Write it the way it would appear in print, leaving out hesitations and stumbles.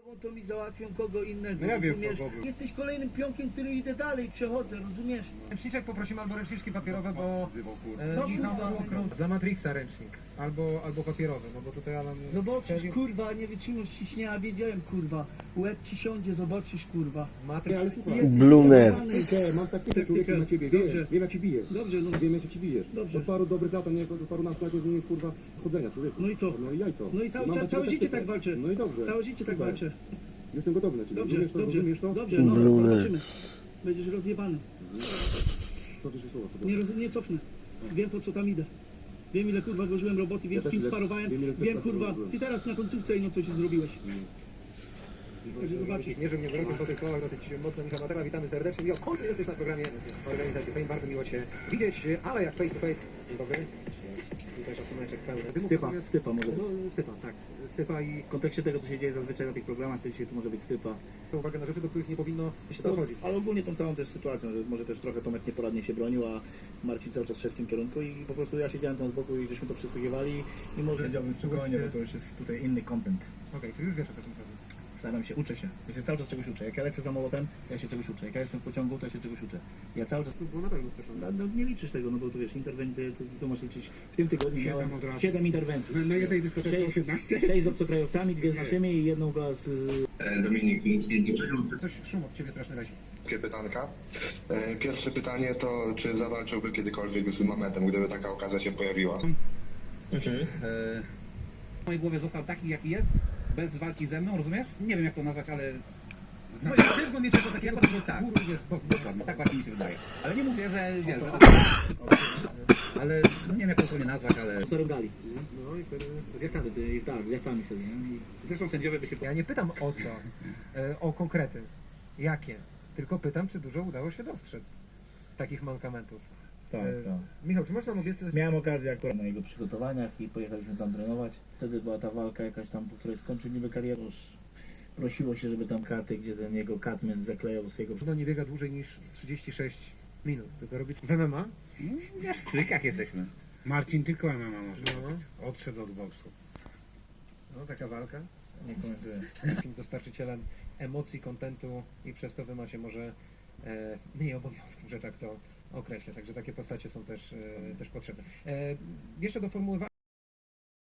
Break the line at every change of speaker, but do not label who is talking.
To mi załatwią kogo innego,
No ja wiem,
rozumiesz?
kogo był.
Jesteś kolejnym pionkiem, który idę dalej, przechodzę, rozumiesz?
Ręczniczek poprosimy albo ręczniczki papierowe, bo
Co,
Michał
kurwa?
okrąg dla Matrixa ręcznik, albo papierowy, no bo tutaj Alan...
Zobaczysz, kurwa, nie wytrzymasz ciśnienia, wiedziałem, kurwa. Łeb ci siądzie, zobaczysz, kurwa.
Matrix...
Blumer.
Mam taktykę człowieku na ciebie, wiem jak ci bijesz.
Dobrze, no.
Wiem jak ci bijesz.
Dobrze.
Od paru dobrych lat, a nie od paru nastu lat nie zmienisz kurwa chodzenia człowieku.
No i co?
No i jajco.
No i cały,
Mam
całe
taką
życie
taktykę.
tak walczę.
No i dobrze.
Całe życie tak
Super.
walczę.
Jestem gotowy na ciebie.
Dobrze,
Rozumiesz to?
dobrze,
Rozumiesz to?
dobrze, no
Blumer.
zobaczymy. Będziesz rozjebany.
Cofnij się słowa sobie.
Nie cofnę. Wiem, po co tam idę. Wiem, ile kurwa włożyłem roboty, wiem,
Ja
z
też
kim
ile-
sparowałem.
wiem, ile też
Wiem,
pracy
kurwa,
włożyłem.
ty teraz na końcówce no coś zrobiłeś. Także zobaczysz.
Nie, że mnie wyrokiem po tych słowach dosyć mocno Michał Matera, witamy serdecznie. I w końcu jesteś na programie organizacji Fame, bardzo miło Cię widzieć, ale jak face to face. Dzień dobry. Tutaj szacuneczek pełny.
Stypa może być.
No, stypa, tak. Stypa i
W kontekście tego, co się dzieje zazwyczaj na tych programach, to dzisiaj to może być stypa.
uwagę na rzeczy, do których nie powinno się dochodzić.
Ale ogólnie tą całą też sytuacją, że może też trochę Tomek nieporadnie się bronił, a Marcin cały czas szedł w tym kierunku i po prostu ja siedziałem tam z boku i żeśmy to przysłuchiwali i może...
Siedziałbym spokojnie, bo to już jest tutaj inny content.
Okej, czyli już wiesz, o co chodzi.
Staram się, uczę się. Ja się cały czas czegoś uczę. Jak ja lecę samolotem, to ja się czegoś uczę. Jak ja jestem w pociągu, to ja się czegoś uczę. Ja cały czas...
To było na pewno straszne.
No, nie liczysz tego, no bo tu wiesz, interwencje, to masz liczyć. W tym tygodniu miałem
od razu.
7 interwencji.
Na jednej dyskotece 18?
6 z obcokrajowcami, 2 z naszymi i jedną z...
Dominik,
Coś szum od Ciebie straszny razi.
krótkie pytanka. Pierwsze pytanie to, czy zawalczyłby kiedykolwiek z Mametem, gdyby taka okazja się pojawiła?
W mojej głowie został taki, jaki jest, bez walki ze mną, rozumiesz? Nie wiem, jak to nazwać, ale...
No i też go nie trzeba takiego,
Jako
bo
tak,
góry jest z boku.
dokładnie, tak właśnie mi się wydaje. Ale nie mówię, że wiesz, że... Ale no nie wiem, jak to sobie nazwać, ale...
Sorungali.
No i wtedy...
Z jachtami, tak, z jachtami wtedy. Nie? I
Zresztą sędziowie by się...
Ja nie pytam o co, o konkrety, jakie, tylko pytam, czy dużo udało się dostrzec takich mankamentów.
Tak, tak.
Michał, czy można obiecać...
Miałem okazję akurat na jego przygotowaniach i pojechaliśmy tam trenować. Wtedy była ta walka jakaś tam, po której skończył niby karierę. Już prosiło się, żeby tam karty, gdzie ten jego Catman zaklejał z jego...
Chyba nie biega dłużej niż 36 minut, tylko robić w MMA.
Wiesz, w trykach jesteśmy.
Marcin tylko MMA może
robić.
Odszedł od boksu.
No, taka walka.
Nie komentuję.
Takim dostarczycielem emocji, kontentu i przez to wy macie może mniej obowiązków, że tak to określę. Także takie postacie są też potrzebne. Jeszcze do formułowania.